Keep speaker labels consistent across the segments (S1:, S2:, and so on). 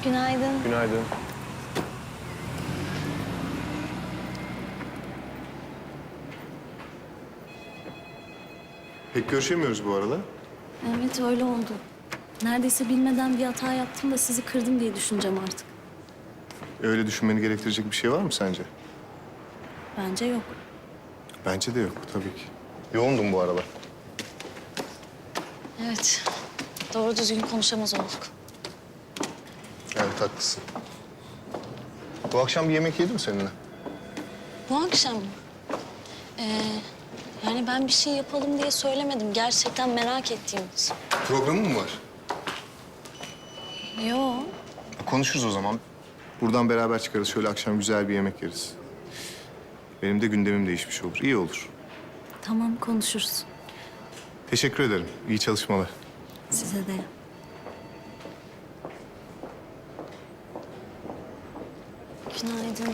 S1: Günaydın.
S2: Günaydın.
S3: Pek görüşemiyoruz bu arada.
S1: Evet öyle oldu. Neredeyse bilmeden bir hata yaptım da sizi kırdım diye düşüneceğim artık.
S3: Öyle düşünmeni gerektirecek bir şey var mı sence?
S1: Bence yok.
S3: Bence de yok tabii ki. Yoğundum bu aralar.
S1: Evet. Doğru düzgün konuşamaz olduk.
S3: Evet haklısın. Bu akşam bir yemek yedim seninle.
S1: Bu akşam mı? Yani ben bir şey yapalım diye söylemedim. Gerçekten merak ettiğimiz.
S3: Programın mı var?
S1: Yo.
S3: Konuşuruz o zaman. Buradan beraber çıkarız. Şöyle akşam güzel bir yemek yeriz. Benim de gündemim değişmiş olur. İyi olur.
S1: Tamam konuşuruz.
S3: Teşekkür ederim. İyi çalışmalar.
S1: Size de. Günaydın.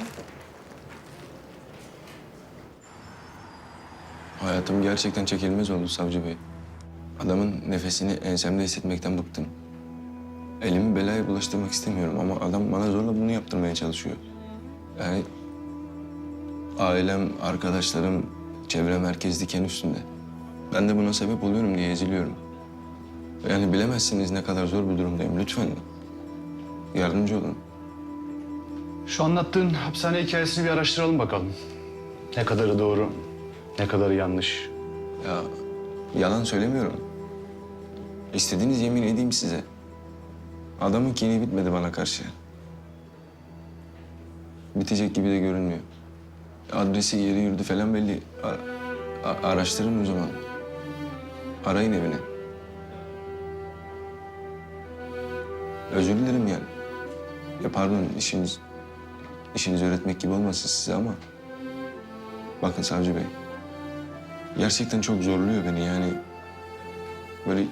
S2: Hayatım gerçekten çekilmez oldu Savcı Bey. Adamın nefesini ensemde hissetmekten bıktım. Elimi belaya bulaştırmak istemiyorum ama adam bana zorla bunu yaptırmaya çalışıyor. Yani ailem, arkadaşlarım, çevrem herkes diken üstünde. Ben de buna sebep oluyorum diye eziliyorum. Yani bilemezsiniz ne kadar zor bir durumdayım. Lütfen yardımcı olun.
S4: Şu anlattığın hapishane hikayesini bir araştıralım bakalım. Ne kadarı doğru, ne kadarı yanlış.
S2: Ya yalan söylemiyorum. İstediğiniz yemin edeyim size. Adamın kini bitmedi bana karşı. Bitecek gibi de görünmüyor. Adresi, yeri, yurdu falan belli. Araştırın o zaman. Arayın evini. Özür dilerim yani. Ya pardon işinizi öğretmek gibi olmasın size ama... Bakın Savcı Bey. Gerçekten çok zorluyor beni yani. Böyle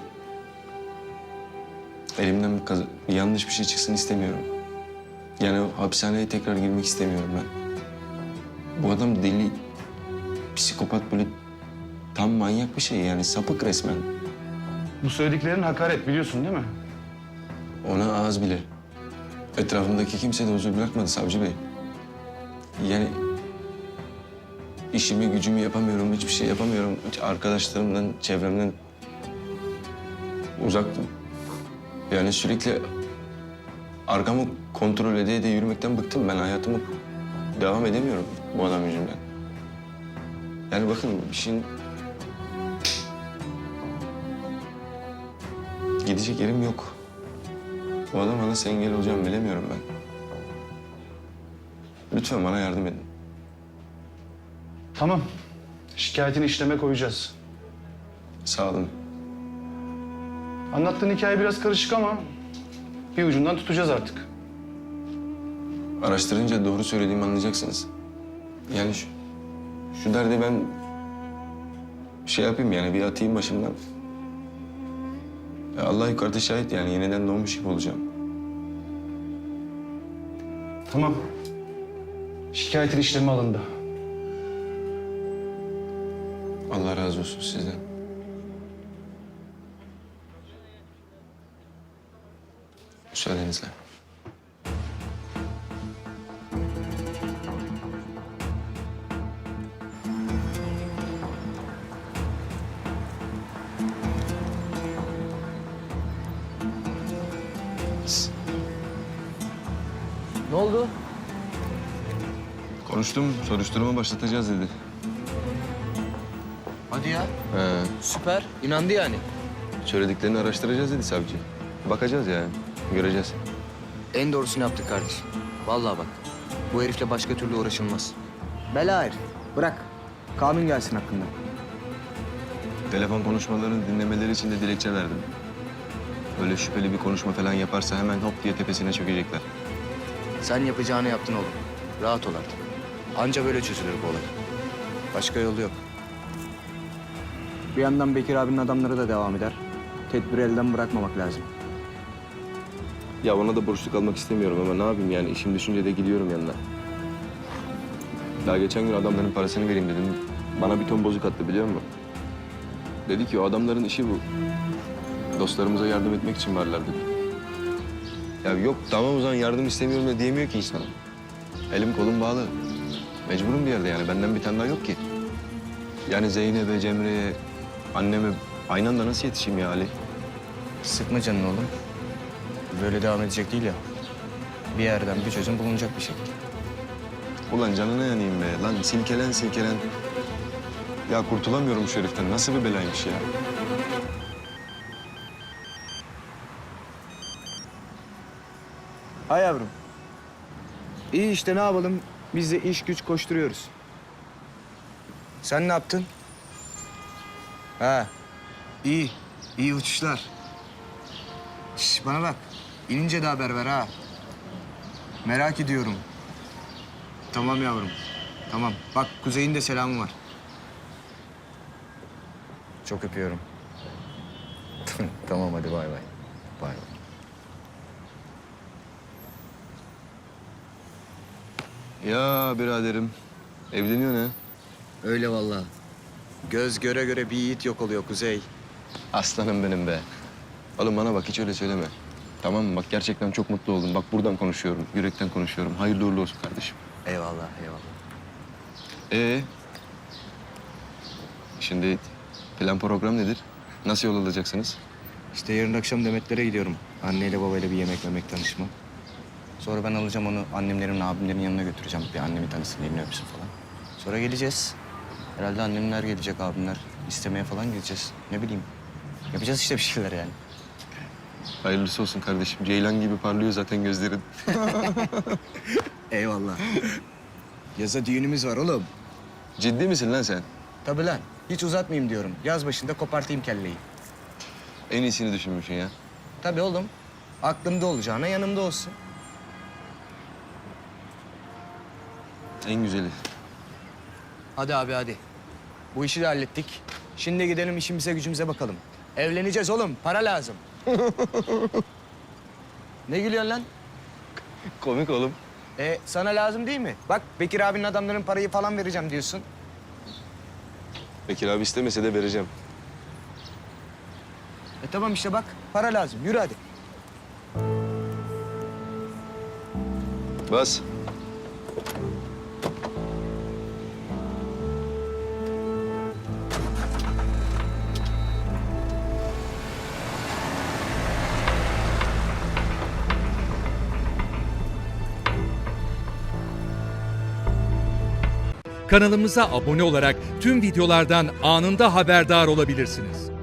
S2: elimden bir yanlış bir şey çıksın istemiyorum. Yani o hapishaneye tekrar girmek istemiyorum ben. Bu adam deli, psikopat böyle tam manyak bir şey yani sapık resmen.
S4: Bu söylediklerin hakaret biliyorsun değil mi?
S2: Ona ağız bile. Etrafımdaki kimse de huzur bırakmadı Savcı Bey. Yani işimi gücümü yapamıyorum, hiçbir şey yapamıyorum. Hiç arkadaşlarımdan, çevremden uzaktım. Yani sürekli arkamı kontrol ede yürümekten bıktım. Ben hayatımı devam edemiyorum bu adam yüzünden. Yani bakın işin... Gidecek yerim yok. Bu adama nasıl engel olacağımı bilemiyorum ben. Lütfen bana yardım edin.
S4: Tamam. Şikayetini işleme koyacağız.
S2: Sağ olun.
S4: Anlattığın hikaye biraz karışık ama bir ucundan tutacağız artık.
S2: Araştırınca doğru söylediğimi anlayacaksınız. Yani şu derdi ben şey yapayım yani bir atayım başımdan. Ya Allah yukarıda şahit yani yeniden doğmuş gibi olacağım.
S4: Tamam. Şikayetin işlemi alındı.
S2: Allah razı olsun sizden. Müsaadenizle.
S5: Ne oldu?
S2: Konuştum, soruşturma başlatacağız dedi.
S5: Hadi ya.
S2: He,
S5: Süper. İnandı yani.
S2: söylediklerini araştıracağız dedi savcı. Bakacağız yani, göreceğiz.
S5: En doğrusunu yaptık kardeşim. Vallahi bak. Bu herifle başka türlü uğraşılmaz. Bela herif. Bırak. Kanun gelsin hakkında.
S2: Telefon konuşmalarını dinlemeleri için de dilekçe verdim. Öyle şüpheli bir konuşma falan yaparsa hemen hop diye tepesine çökecekler.
S5: Sen yapacağını yaptın oğlum. Rahat ol artık. Anca böyle çözülür bu olay. Başka yolu yok. Bir yandan Bekir abinin adamları da devam eder. Tedbiri elden bırakmamak lazım.
S2: Ya ona da borçlu kalmak istemiyorum ama ne yapayım yani işim düşünce de gidiyorum yanına. Daha geçen gün adamların parasını vereyim dedim. Bana bir ton bozuk attı biliyor musun? Dedi ki o adamların işi bu. Dostlarımıza yardım etmek için varlar dedi. Ya yok tamam o zaman yardım istemiyorum da diyemiyor ki insan. Elim kolum bağlı. Mecburum bir yerde yani. Benden bir tane daha yok ki. Yani Zeynep'e, Cemre'ye, anneme aynı anda nasıl yetişeyim ya Ali?
S5: Sıkma canını oğlum. Böyle devam edecek değil ya. Bir yerden bir çözüm bulunacak bir şekilde.
S2: Ulan canına yanayım be. Lan silkelen silkelen. Ya kurtulamıyorum şu heriften. Nasıl bir belaymış ya?
S5: Ha yavrum. İyi işte ne yapalım? Biz de iş güç koşturuyoruz. Sen ne yaptın? Ha. İyi. İyi uçuşlar. Şş, bana bak. İnince de haber ver ha. Merak ediyorum. Tamam yavrum. Tamam. Bak Kuzey'in de selamı var. Çok öpüyorum. Tamam hadi bay bay. Bay bay.
S2: Ya biraderim. Evleniyor ne?
S5: Öyle vallahi. Göz göre göre bir yiğit yok oluyor Kuzey.
S2: Aslanım benim be. Oğlum bana bak hiç öyle söyleme. Tamam mı? Bak gerçekten çok mutlu oldum. Bak buradan konuşuyorum. Yürekten konuşuyorum. Hayırlı uğurlu olsun kardeşim.
S5: Eyvallah, eyvallah.
S2: Şimdi plan program nedir? Nasıl yol alacaksınız?
S5: İşte yarın akşam Demetler'e gidiyorum. Anneyle babayla bir yemek tanışma. Sonra ben alacağım onu annemlerin, abimlerin yanına götüreceğim. Bir annemi tanısın, elini öpsün falan. Sonra geleceğiz. Herhalde annemler gelecek, abimler. İstemeye falan gideceğiz. Ne bileyim. Yapacağız işte bir şeyler yani.
S2: Hayırlısı olsun kardeşim. Ceylan gibi parlıyor zaten gözlerin.
S5: Eyvallah. Yaza düğünümüz var oğlum.
S2: Ciddi misin lan sen?
S5: Tabii lan. Hiç uzatmayayım diyorum. Yaz başında kopartayım kelleyi.
S2: En iyisini düşünmüşsün ya.
S5: Tabii oğlum. Aklımda olacağına yanımda olsun.
S2: En güzeli.
S5: Hadi abi hadi. Bu işi de hallettik. Şimdi gidelim işimize gücümüze bakalım. Evleneceğiz oğlum. Para lazım. Ne gülüyorsun lan?
S2: Komik oğlum.
S5: Sana lazım değil mi? Bak Bekir abinin adamların parayı falan vereceğim diyorsun.
S2: Bekir abi istemese de vereceğim.
S5: Tamam işte bak para lazım. Yürü hadi.
S2: Bas.
S6: Kanalımıza abone olarak tüm videolardan anında haberdar olabilirsiniz.